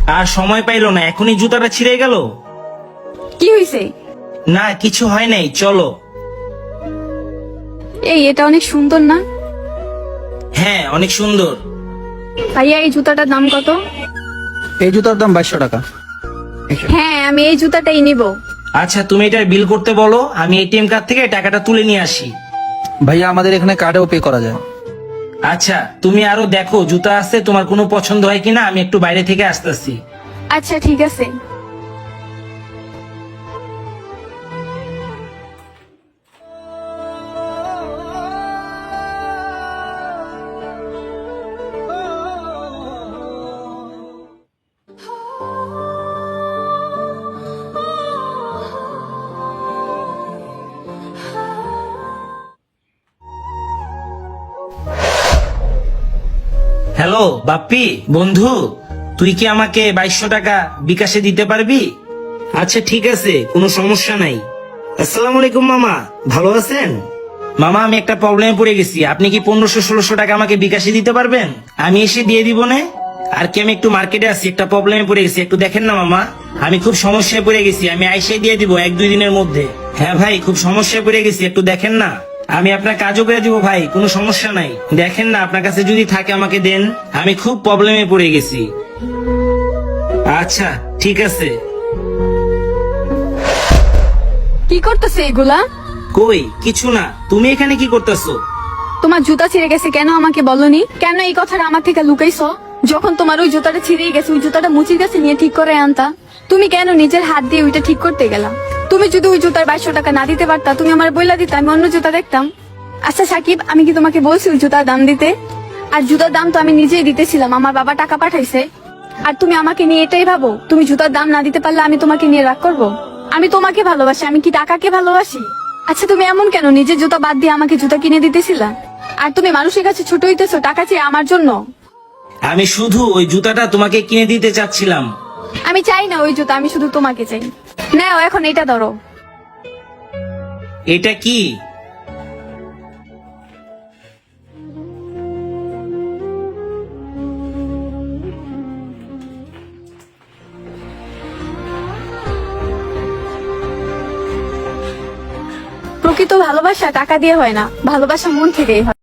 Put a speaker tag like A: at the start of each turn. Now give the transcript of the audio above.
A: আর সময় পাইলো না, এখনই জুতাটা ছিঁড়ে গেল।
B: কি হয়েছে?
A: না কিছু হয় নাই, চলো।
B: এই এটা অনেক সুন্দর না?
A: হ্যাঁ অনেক সুন্দর।
B: ভাইয়া এই জুতাটার দাম কত?
C: এই জুতার দাম 2200 টাকা।
B: হ্যাঁ আমি এই জুতাটাই নিব।
A: আচ্ছা তুমি এটার বিল করতে বলো, আমি এটিএম কার্ড থেকে টাকাটা তুলে নিয়ে আসি।
C: ভাইয়া আমাদের এখানে কার্ডেও পে করা যায়।
A: আচ্ছা তুমি আরো দেখো জুতা আছে, তোমার কোনো পছন্দ হয় কিনা, আমি একটু বাইরে থেকে আসতেছি।
B: আচ্ছা ঠিক আছে।
A: হ্যালো বাপ্পি বন্ধু, তুই কি আমাকে 2200 টাকা বিকাশে দিতে পারবি? আচ্ছা ঠিক আছে, কোনো সমস্যা নাই। আসসালামু আলাইকুম মামা, ভালো আছেন? মামা আমি একটা প্রবলেমে পড়ে গেছি, আপনি কি 1500-1600 টাকা আমাকে বিকাশে দিতে পারবেন? আমি এসে দিয়ে দিব না। আর কি আমি একটু মার্কেটে আছি, একটা প্রবলেমে পড়ে গেছি, একটু দেখেন না মামা। আমি খুব সমস্যায় পড়ে গেছি, আমি আইসে দিয়ে দিব 1-2 দিনের মধ্যে। হ্যাঁ ভাই খুব সমস্যায় পড়ে গেছি, একটু দেখেন না। আমি আপনার কাজও করে দিব ভাই, কোনো সমস্যা নাই। দেখেন না আপনার কাছে যদি থাকে আমাকে দেন, আমি খুব প্রবলেমে পড়ে গেছি। আচ্ছা ঠিক আছে।
B: কি করতেছে এগুলা?
A: কই কিছু না, তুমি এখানে কি করতেছো?
B: তোমার জুতা ছিঁড়ে গেছে কেন আমাকে বলনি? কেন এই কথাটা আমার থেকে লুকাইছো? যখন তোমার ওই জুতাটা ছিঁড়ে গেছে, ওই জুতাটা মুচির কাছে নিয়ে ঠিক করে আনতা। তুমি কেন নিজের হাত দিয়ে ওইটা ঠিক করতে গেলা? তুমি যদি ওই জুতার 2200 টাকা না দিতে পারতা, তুমি আমার বইলা দিতে, আমি অন্য জুতা দেখতাম। আচ্ছা সাকিব, আমি কি তোমাকে বলছি ওই জুতার দাম দিতে? আর জুতার দাম তো আমি নিজেই দিতেছিলাম, আমার বাবা টাকা পাঠাইছে। আর তুমি আমাকে নিয়ে এটাই ভাবো, তুমি জুতার দাম না দিতে পারলে আমি তোমাকে নিয়ে রাগ করবো? আমি তোমাকে ভালোবাসি, আমি কি টাকাকে ভালোবাসি? আচ্ছা তুমি এমন কেন, নিজের জুতা বাদ দিয়ে আমাকে জুতা কিনে দিতেছিলা? আর তুমি মানুষের কাছে ছোট হইতেছো টাকা চেয়ে আমার জন্য।
A: আমি শুধু ওই জুতাটা তোমাকে কিনে দিতে চাচ্ছিলাম।
B: আমি চাই না ওই জুতা, আমি শুধু তোমাকে চাই। নাও এখন এটা ধরো।
A: এটা কি?
B: প্রকৃত ভালোবাসা টাকা দিয়ে হয় না, ভালোবাসা মন থেকেই হয়।